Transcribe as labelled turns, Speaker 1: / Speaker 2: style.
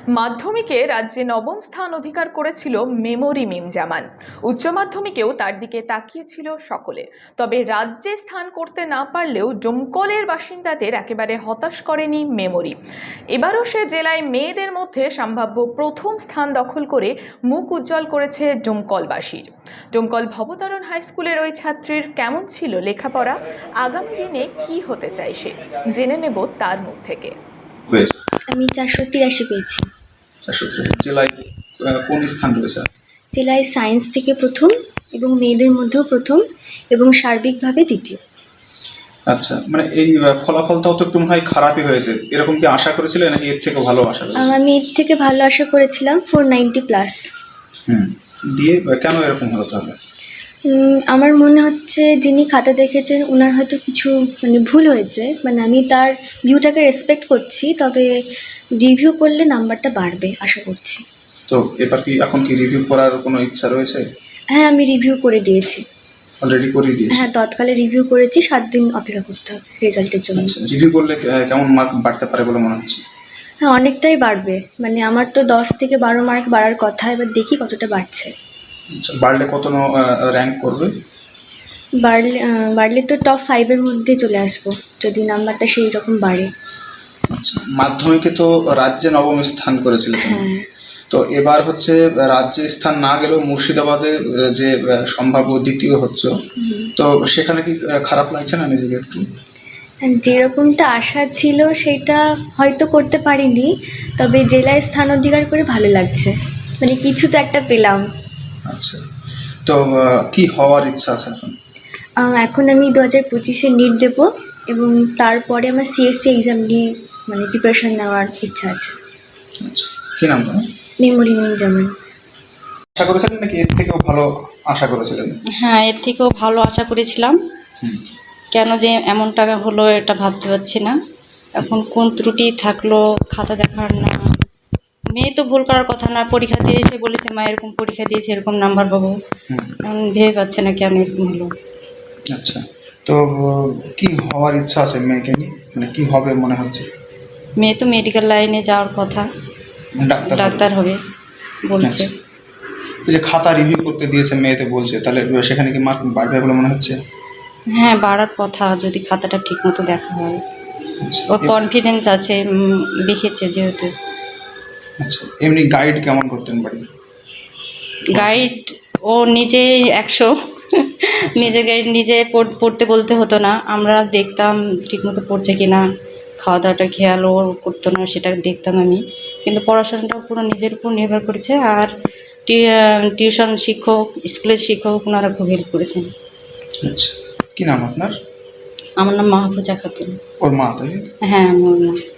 Speaker 1: মাধ্যমিকে রাজ্যে নবম স্থান অধিকার করেছিল মেমরি মিম জামান। উচ্চ মাধ্যমিকেও তার দিকে তাকিয়েছিল সকলে। তবে রাজ্যে স্থান করতে না পারলেও ডোমকলের বাসিন্দাদের একেবারে হতাশ করেনি মেমরি। এবারও সে জেলায় মেয়েদের মধ্যে সম্ভাব্য প্রথম স্থান দখল করে মুখ উজ্জ্বল করেছে ডোমকলবাসীর। ডোমকল ভবতারণ হাই স্কুলের ওই ছাত্রীর কেমন ছিল লেখাপড়া, আগামী দিনে কি হতে চায় সে, জেনে নেব তার মুখ থেকে।
Speaker 2: আমি 483 পেয়েছি।
Speaker 3: জেলায় কোন স্থান রয়েছে?
Speaker 2: জেলায় সায়েন্স থেকে প্রথম এবং মেয়েদের মধ্যেও প্রথম এবং সার্বিকভাবে দ্বিতীয়।
Speaker 3: আচ্ছা, মানে এই ফলাফলটাও তো একটু মনে হয় খারাপই হয়েছে, এরকম কি আশা করেছিলেন নাকি এর থেকে ভালো আশা করেছিলেন?
Speaker 2: আমি এর থেকে ভালো আশা করেছিলাম, 490+।
Speaker 3: দিয়ে কেন এরকম হলো তাহলে?
Speaker 2: আমার মনে হচ্ছে যিনি খাতা দেখেছেন ওনার হয়তো কিছু ভুল হয়েছে। আমি তার ভিউটাকে রেসপেক্ট করছি, তবে রিভিউ করলে নাম্বারটা বাড়বে আশা করছি।
Speaker 3: তো এবার কি এখন কি রিভিউ করার কোনো ইচ্ছা রয়েছে?
Speaker 2: হ্যাঁ, আমি রিভিউ করে দিয়েছি।
Speaker 3: অলরেডি করে দিয়েছি?
Speaker 2: হ্যাঁ, তৎকালে রিভিউ করেছি, 7 দিন অপেক্ষা করতে হবে রেজাল্টের জন্য।
Speaker 3: রিভিউ করলে কেমন মার্ক বাড়তে পারে বলে মনে হচ্ছে?
Speaker 2: হ্যাঁ, অনেকটাই বাড়বে। আমার তো 10 থেকে 12 মার্ক বাড়ার কথা, এবার দেখি কতটা বাড়ছে।
Speaker 3: বাড়লে কত র্যাঙ্ক করবে?
Speaker 2: বাড়লে তো টপ 5-এর মধ্যে চলে আসবো যদি নাম্বারটা সেই রকম বাড়ে।
Speaker 3: আচ্ছা, মাধ্যমিকে তো রাজ্যে নবম স্থান করেছিল তুমি।
Speaker 2: হ্যাঁ।
Speaker 3: তো এবার হচ্ছে রাজ্যে স্থান না গেলেও মুর্শিদাবাদে যে সম্ভাব্য দ্বিতীয় হচ্ছে, তো সেখানে কি খারাপ লাগছে না নিজেকে একটু?
Speaker 2: যেরকমটা আশা ছিল সেটা হয়তো করতে পারিনি, তবে জেলায় স্থান অধিকার করে ভালো লাগছে। কিছু তো একটা পেলাম।
Speaker 3: আচ্ছা, তো কি হওয়ার ইচ্ছা আছে এখন?
Speaker 2: এখন আমি 2025-এ নিট দেবো এবং তারপরে আমার সিএসসি এক্সাম নিয়ে প্রিপারেশন নেওয়ার ইচ্ছা আছে।
Speaker 3: আচ্ছা, কি নাম তোমার?
Speaker 2: মেমরি মিম জামান।
Speaker 3: আশা করেছিলেন নাকি এর থেকেও ভালো আশা করেছিলেন?
Speaker 4: হ্যাঁ, এর থেকেও ভালো আশা করেছিলাম। কেন যে এমন টাকা হলো এটা ভাবতে পারছি না। এখন কোন ত্রুটি থাকলো খাতা দেখার না, মেয়ে তো ভুল করার কথা না, পরীক্ষা দিয়ে এসে বলেছে মা এরকম পরীক্ষা দিয়েছে এরকম নাম্বার পাবো, এখন ভেবে পাচ্ছে না কেন এরকম হলো।
Speaker 3: আচ্ছা, তো কি হওয়ার ইচ্ছা আছে মেয়েকে নিয়ে, কি হবে মনে হচ্ছে?
Speaker 4: মেয়ে তো মেডিকেল লাইনে যাওয়ার কথা, ডাক্তার হবে বলছে।
Speaker 3: এই যে খাতা রিভিউ করতে দিয়েছে মেয়েতে বলছে, তাহলে সেখানে কি মার্ক বাড়বে বলে মনে হচ্ছে?
Speaker 4: হ্যাঁ, বাড়ার কথা যদি খাতাটা ঠিক মতো দেখা হয়। ওর কনফিডেন্স আছে, লিখেছে যেহেতু।
Speaker 3: আচ্ছা, এমনি গাইড কেমন করতেন বাড়ি?
Speaker 4: গাইড ও নিজেই 100, নিজের গাইড নিজে পড়তে বলতে হতো না, আমরা দেখতাম ঠিকমতো পড়ছে কিনা, খাওয়া দাওয়াটা খেয়ালও করতো না, সেটা দেখতাম আমি। কিন্তু পড়াশোনাটাও পুরো নিজের উপর নির্ভর করেছে। আর টিউশন শিক্ষক, স্কুলের শিক্ষক ওনারা খুব হেল্প করেছেন।
Speaker 3: আচ্ছা, কি নাম আপনার?
Speaker 4: আমার নাম মাহফুজা খাতুন।
Speaker 3: ওর মা, তাই?
Speaker 4: হ্যাঁ, আমার মা।